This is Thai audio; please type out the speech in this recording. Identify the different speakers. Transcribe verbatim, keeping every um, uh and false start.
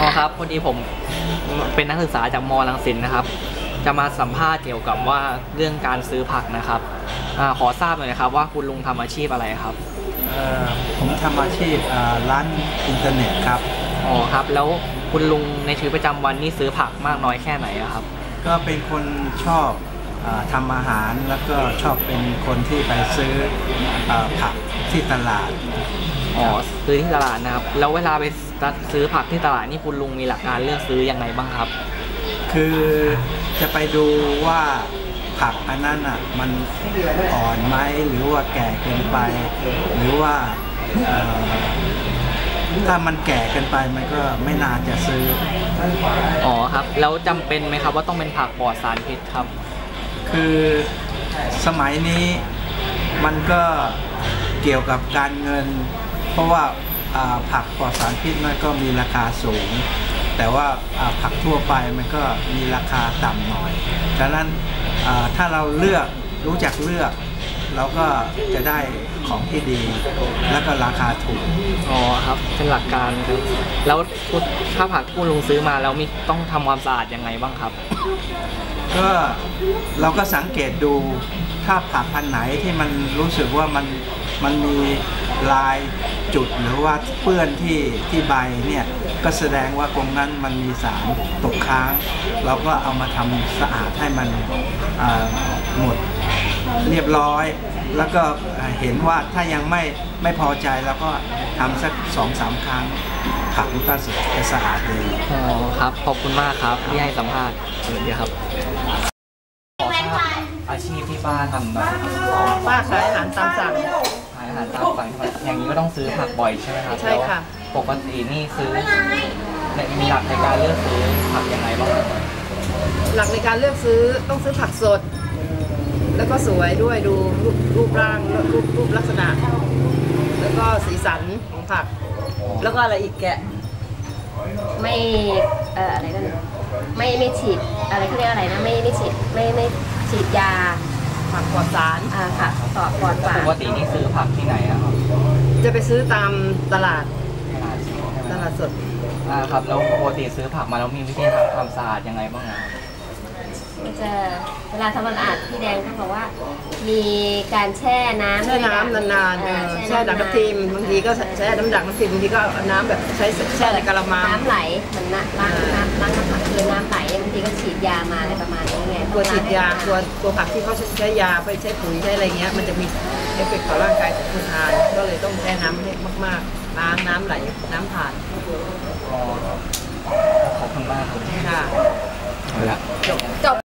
Speaker 1: อครับพอดีผมเป็นนักศึกษาจากมอรังสิตนะครับจะมาสัมภาษณ์เกี่ยวกับว่าเรื่องการซื้อผักนะครับอขอทราบหน่อยนะครับว่าคุณลุงทำอาชีพอะไรครับ
Speaker 2: ผมทำอาชีพร้านอินเทอร์เน็ตครับ
Speaker 1: อ๋อครับแล้วคุณลุงในชีวิตประจำวันนี่ซื้อผักมากน้อยแค่ไหนครับ
Speaker 2: ก็เป็นคนชอบทำอาหารแล้วก็ชอบเป็นคนที่ไปซื้อผักที่ตลาด
Speaker 1: อ๋อซื้อที่ตลาดนะครับแล้วเวลาไปซื้อผักที่ตลาดนี่คุณลุงมีหลักการเลือกซื้อยังไงบ้างครับ
Speaker 2: คือจะไปดูว่าผักอันนั้นอ่ะมันอ่อนไหมหรือว่าแก่เกินไปหรือว่าถ้ามันแก่เกินไปมันก็ไม่น่าจะซื้อ
Speaker 1: อ๋อครับแล้วจำเป็นไหมครับว่าต้องเป็นผักปลอดสารพิษครับ
Speaker 2: คือสมัยนี้มันก็เกี่ยวกับการเงินเพราะว่าผักปลอดสารพิษมันก็มีราคาสูงแต่ว่าผักทั่วไปมันก็มีราคาต่ำหน่อยดังนั้นถ้าเราเลือกรู้จักเลือกเราก็จะได้ของที่ดีแล้วก็ราคาถูก
Speaker 1: อ๋อครับเป็นหลักการครับแล้วถ้าผักคุณลุงซื้อมาแล้วมีต้องทำความสะอาดยังไงบ้างครับ
Speaker 2: ก็เราก็สังเกตดูถ้าผักพันธุ์ไหนที่มันรู้สึกว่ามันมันมีลายจุดหรือว่าเปื้อนที่ที่ใบเนี่ยก็แสดงว่าตรงนั้นมันมีสารตกค้างเราก็เอามาทำสะอาดให้มันหมดเรียบร้อยแล้วก็เห็นว่าถ้ายังไม่ไม่พอใจแล้วก็ทำสักสองสามครั้งผักมันก็จะสะอาดดี
Speaker 1: อ๋อครับขอบคุณมากครับที่ให้สัมภาษณ์เดี๋ยวครับขอทราบอาชีพที่ป้าทำหน่อย
Speaker 3: ป้าขายอาหารตามสั่ง
Speaker 1: ขายอาหารตามสั่งอย่างนี้ก็ต้องซื้อผักบ่อยใช่ไหมครับ
Speaker 3: ใช่ค่ะ
Speaker 1: ปกตินี่ซื้อมีหลักในการเลือกซื้อผักยังไงบ้าง
Speaker 3: หลักในการเลือกซื้อต้องซื้อผักสดแล้วก็สวยด้วยดูรูปรูปร่างรูปรูปลักษณะแล้วก็สีสันของผักแล้วก็อะไรอีกแกะ
Speaker 4: ไม่เอ่ออะไรกันไม่ไม่ฉีดอะไรเขาเรียกอะไรนะไม่ไม่ฉีดไม่ไม่ฉีดยา
Speaker 3: ผักปลอดสาร
Speaker 4: อ่าค่ะปลอดปลอดสาร
Speaker 1: ปกตินี่ซื้อผักที่ไหนอะครับ
Speaker 3: จะไปซื้อตามตลาดตลาดสด
Speaker 1: อ่าครับแล้วปกติซื้อผักมาแล้วมีวิธีทำความสะอาดยังไงบ้างครับ
Speaker 4: จะเวลาทำความสะอาดพี่แดงเขาบอกว่ามีการแช่น้ำ
Speaker 3: แช่น้ำนานๆแช่ดักน้ำทิมบางทีก็ใช้น้ำดักน้ำทิมบางทีก็น้ำแบบใช้แช่ในกะละมัง
Speaker 4: น้ำไหลเหมือนน้ำล้างน้ำล้างน้ำผักคือน้ำไหลบางทีก็ฉีดยามาอะไรประมาณนี้ไง
Speaker 3: ตัวฉีดยาตัวตัวผักที่เขาใช้ยาไปใช้ปุ๋ยใช้อะไรเงี้ยมันจะมีเอฟเฟกต์ต่อร่างกายของคนทานก็เลยต้องแช่น้ำให้มากๆล้างน้ำไหลน้ำผ่าน
Speaker 1: ขอบคุณมากครับ
Speaker 3: ค่ะ
Speaker 1: จบ
Speaker 4: จบ